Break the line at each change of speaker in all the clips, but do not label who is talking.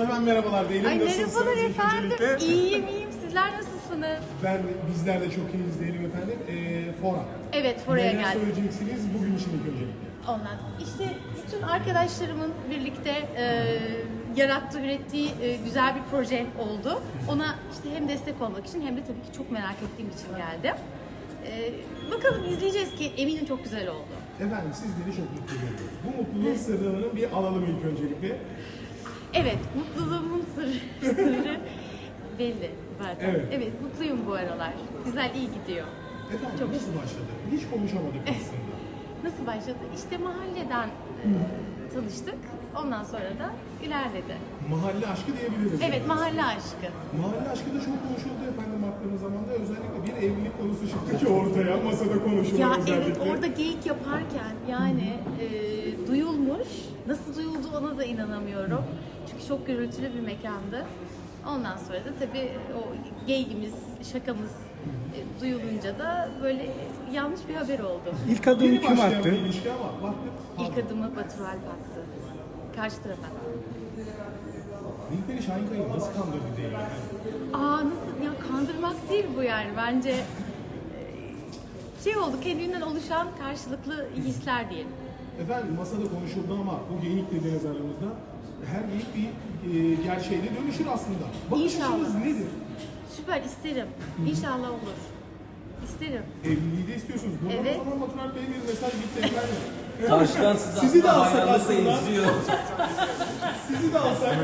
hemen merhabalar diyelim.
Ay
Nasılsınız
merhabalar
ilk
efendim.
öncelikle?
İyiyim. Sizler nasılsınız?
Bizler de çok iyiyiz diyelim efendim. Fora.
Evet, Fora'ya
Neler
geldim.
söyleyeceksiniz bugün için ilk öncelikle?
Ondan. İşte bütün arkadaşlarımın birlikte yarattığı, ürettiği güzel bir proje oldu. Ona işte hem destek olmak için hem de tabii ki çok merak ettiğim için geldim. Bakalım izleyeceğiz ki eminim çok güzel oldu.
Efendim sizleri çok mutlu ediyoruz. Bu mutluluğun sırrını bir alalım ilk öncelikle.
Evet, mutluluğumun sırrı belli zaten.
Evet.
Evet, mutluyum bu aralar. Güzel, iyi gidiyor.
Efendim
Çok
nasıl başladı? Hiç konuşamadık aslında.
Nasıl başladı? İşte mahalleden tanıştık. Ondan sonra da ilerledi.
Mahalle aşkı diyebiliriz.
Evet,
yani.
mahalle aşkı.
Mahalle aşkı da çok konuşuldu efendim baktığımız zaman da özellikle bir evlilik konusu çıktı ki ortaya masada konuşuldu
Ya
özellikle.
evet, orada geyik yaparken yani duyulmuş. Nasıl duyuldu ona da inanamıyorum. Çünkü çok gürültülü bir mekandı. Ondan sonra da tabii o geyigimiz, şakamız duyulunca da böyle yanlış bir haber oldu.
İlk adımı
Yeni
kim
başlayan
attı?
bir ilişki ama baktık.
İlk adımı Batur Alp attı. Karşı tarafa.
Nilperi Şahinkaya'yı nasıl kandırdı diyelim efendim?
Nasıl ya, kandırmak değil bu yani bence şey oldu, kendinden oluşan karşılıklı hisler diyelim.
Efendim masada konuşuldu ama bu geyik dediğiniz aramızda her geyik bir gerçeğe dönüşür aslında. Bakış
İnşallah.
açınız nedir?
Süper, isterim. İnşallah olur. İsterim.
Evliliği de istiyorsunuz. Buradan
Evet.
o zaman Batur Alp Bey'e bir mesaj gitti efendim.
Karşıdan
Sizi de alsak
hayranlıkla
aslında.
izliyor.
Sizi de alsak.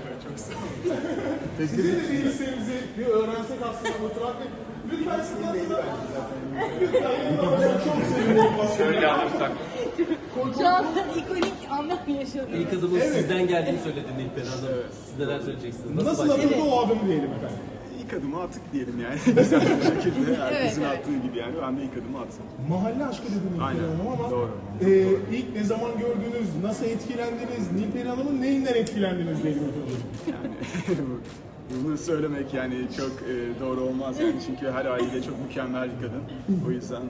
Sizi de bir isteğimizi bir öğrensek aslında Batur Alp Bey. Lütfen siz yanınıza. Lütfen yanınıza. Çok sevinirim.
Şöyle alırsak.
Şu anda ikonik anlar yaşadım.
İlk adımın sizden geldiğini söyledi Nilperi Hanım. Siz neler söyleyeceksiniz?
Nasıl atıldı o adım diyelim efendim.
İlk adımı attık diyelim yani. Güzel bir şekilde herkesin
Evet.
attığı gibi yani. Ben de ilk adımı attım.
Mahalle aşkı dediniz Nilperi
Aynen,
Hanım ama
doğru.
ilk ne zaman gördünüz, nasıl etkilendiniz, Nilperi Hanım'ın neyinden etkilendiniz diyelim efendim.
Yani bunu söylemek yani çok doğru olmaz yani. Çünkü her aile çok mükemmel bir kadın. O yüzden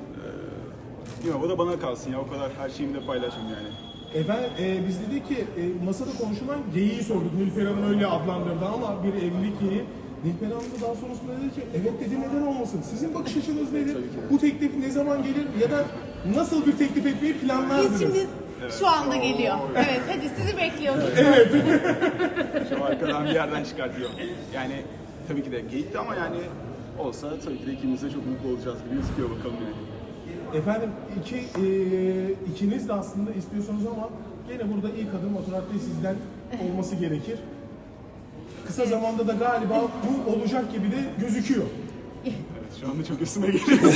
o da bana kalsın ya. O kadar her şeyimi de paylaşım yani.
Efendim biz dedik ki masada konuşulan geyiği sorduk. Nilperi Hanım öyle adlandırdı ama bir evlilik geyiği. Nilperi Hanım da daha sonrasında dedi ki evet dedi, neden olmasın? Sizin bakış açınız nedir? Bu teklif ne zaman gelir ya da nasıl bir teklif etmeyi planlardınız?
Biz şimdi şu anda geliyor. Evet, hadi sizi bekliyorduk.
Şu arkadan bir yerden çıkartıyor. Yani tabii ki de geyikti ama yani olsa tabii ki de ikimiz de çok mutlu olacağız gibi gözüküyor bakalım yani.
Efendim ikiniz de aslında istiyorsunuz ama gene burada ilk adım Batur Alp Bey sizden olması gerekir. Kısa zamanda da galiba bu olacak gibi de gözüküyor.
Evet, şu anda çok üstüme geliyor.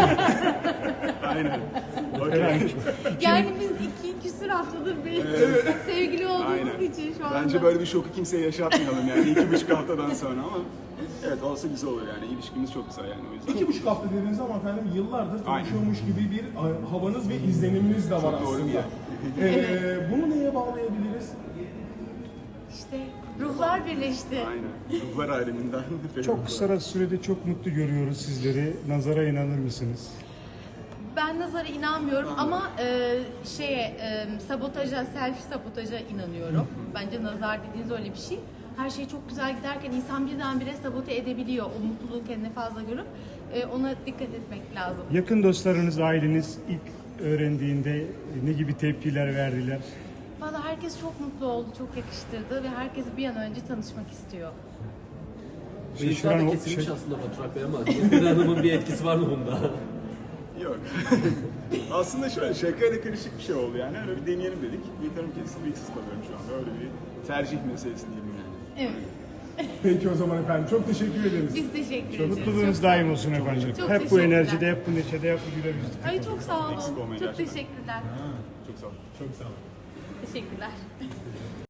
Aynen. Okay.
Yani biz 2 küsur haftadır bir sevgili olduğumuz
Aynen.
için şu anda.
Bence böyle bir şoku kimseye yaşatmayalım yani 2,5 haftadan sonra ama evet olsa güzel olur yani ilişkimiz çok güzel yani o yüzden.
2,5 hafta dediniz ama efendim yıllardır tanışıyormuş gibi bir havanız ve izleniminiz de var
Çok doğru
aslında. Bunu neye bağlayabiliriz?
İşte ruhlar birleşti.
Aynen. Ruhlar aleminden.
Çok kısa sürede çok mutlu görüyoruz sizleri. Nazara inanır mısınız?
Ben nazara inanmıyorum ama sabotaja, self sabotaja inanıyorum. Bence nazar dediğiniz öyle bir şey. Her şey çok güzel giderken insan birdenbire sabote edebiliyor. O mutluluğu kendine fazla görüp ona dikkat etmek lazım.
Yakın dostlarınız, aileniz ilk öğrendiğinde ne gibi tepkiler verdiler?
Valla herkes çok mutlu oldu, çok yakıştırdı ve herkes bir an önce tanışmak istiyor.
Bıyıklar da kesilmiş aslında Batur Alp Bey ama Nilperi Hanım'ın bir etkisi var mı bunda?
Yok. Aslında şöyle şakayla karışık bir şey oldu yani. Öyle bir deneyelim dedik. Bıyıklarım kesildi, bıyıksız kalıyorum şu anda. Öyle bir tercih meselesi diyelim yani.
Evet.
Peki o zaman efendim çok teşekkür ederiz.
Biz teşekkür ederiz.
Mutluluğunuz daim olsun efendim.
Çok
Hep bu
teşekkürler.
enerjide, hep bu neşede, hep bu güler yüzlükte.
Ay çok sağ olun.
Eksik olmayın
Çok
gerçekten.
teşekkürler.
Çok sağ olun.
Çok sağ olun.
Teşekkürler.